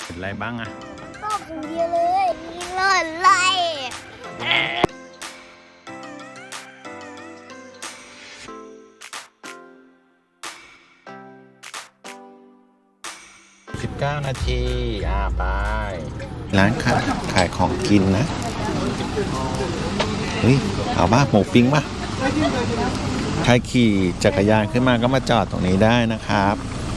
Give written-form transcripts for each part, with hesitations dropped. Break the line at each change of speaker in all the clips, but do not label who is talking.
ห็นอะไรบ้างอะ
ตอบอย่างเดียวเลยมีหล่นเลย
19 นาทีไปร้านขายของกินนะเฮ้ยเอาบ้าหมูปิ้งป่ะใครขี่จักรยานขึ้นมาก็มาจอดตรงนี้ได้นะครับ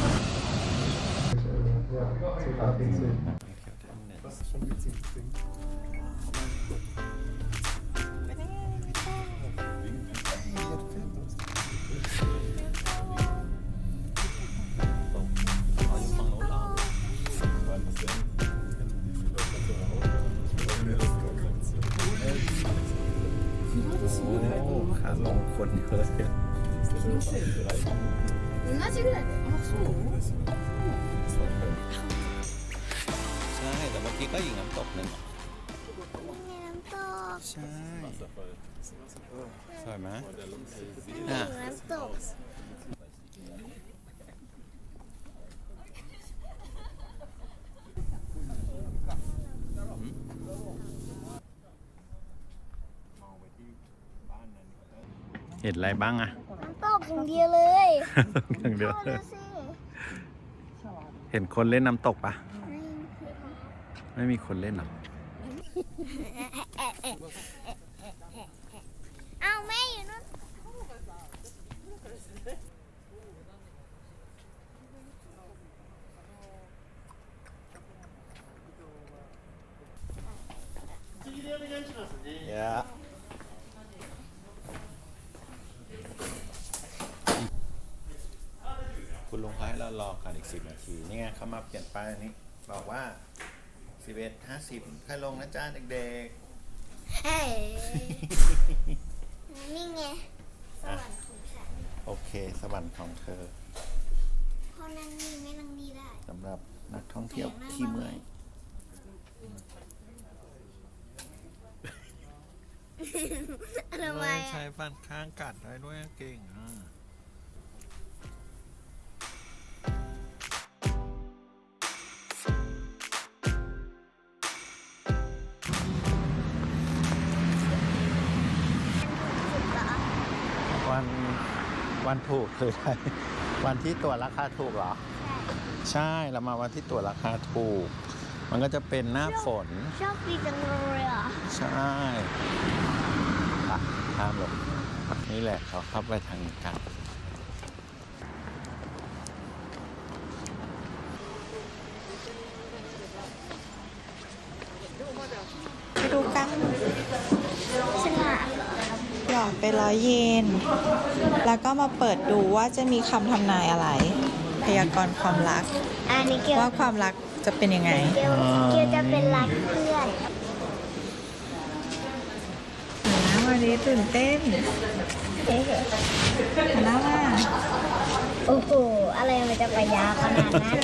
ขาลงคนเยอะเลยใช่แต่เมื่อกี้ก็อยู่น้ำตกนึง
มีน้ำตก
ใช่สวยไหม
น้ำตก
เห็นอะไรบ้างอะ
น้ำตกอย่างเดียวเลย
อย่างเดียวเห็นคนเล่นน้ำตกปะไม่มีคนเล่นหรอ
เอาแม่อยู่นู่น
คุณลุงให้เรารอกันอีก10 นาทีนี่ไงเขามาเปลี่ยนป้ายนี้บอกว่า11:50ค่อยลงนะจ้าเด็ก
เฮ้ยนี่ไงสวรรค์ของฉัน
ๆโอเคสวรรค์ของเธอ
พอนั่งนี่ไม่นั่งนี่ได้
สำหรับนักท่องเที่ยวขี้เมื่อย
ทำไม
ใช้ฟันข้างกัดได้ด้วยเก่งอ่ะวันถูกคืออะไรวันที่ตั๋วราคาถูกเหรอใช่เรามาวันที่ตั๋วราคาถูกมันก็จะเป็นหน้าฝน
ชอบดีจังเลยอ่ะ
ใช่ข้ามลงนี่แหละเขาเข้าไปทางกัน
ไปดูกัน
ฉลาด
หยอดไป100 เยนแล้วก็มาเปิดดูว่าจะมีคำทำนายอะไร พยากรณ์ความรัก
อันนี้เกี่ยว
ว่าความรักจะเป็นยังไง
เกี่ยวจะเป็นรักเพื่อน
วันนี้ตื่นเต้นแล้วว่า
โอ้โหอะไรมันจะไปยาวขนาดนั้น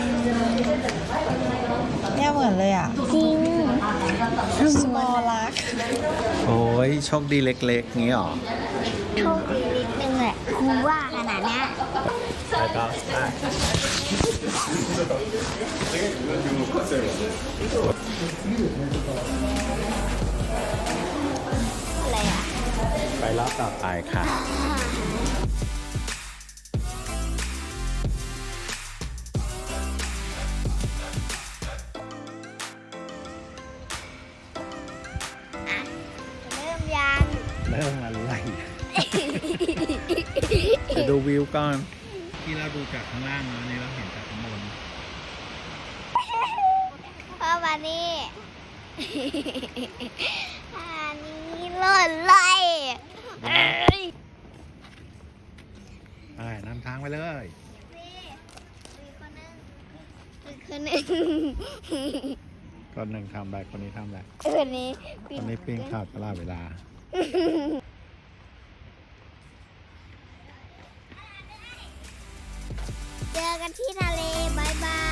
เนี่ยเหมือนเลยอ่ะ
จริง
small รัก
โอ้ยโชคดีเล็กๆงี้หรอ
โชคดีนิดนึงแหละครูว่าขนาดนี้
แล้วก็
อะไรอ่ะ
ไปรอบต่อไปค่ะเริ่มอะไรจะดูวิวก่อนที่เราดูจากข้างล่างนะนี่เราเห็นจากข้างบน
พ่อมานี่อันนี้หล่นเลย
ไปนำทางไปเลย
คนหนึ่ง
คนหนึ่งทำอะไรคนนี้ทำอะไร
คนนี้
ปิ้งข้าวตลอดเวลา
เจอกันที่ทะเลบายบาย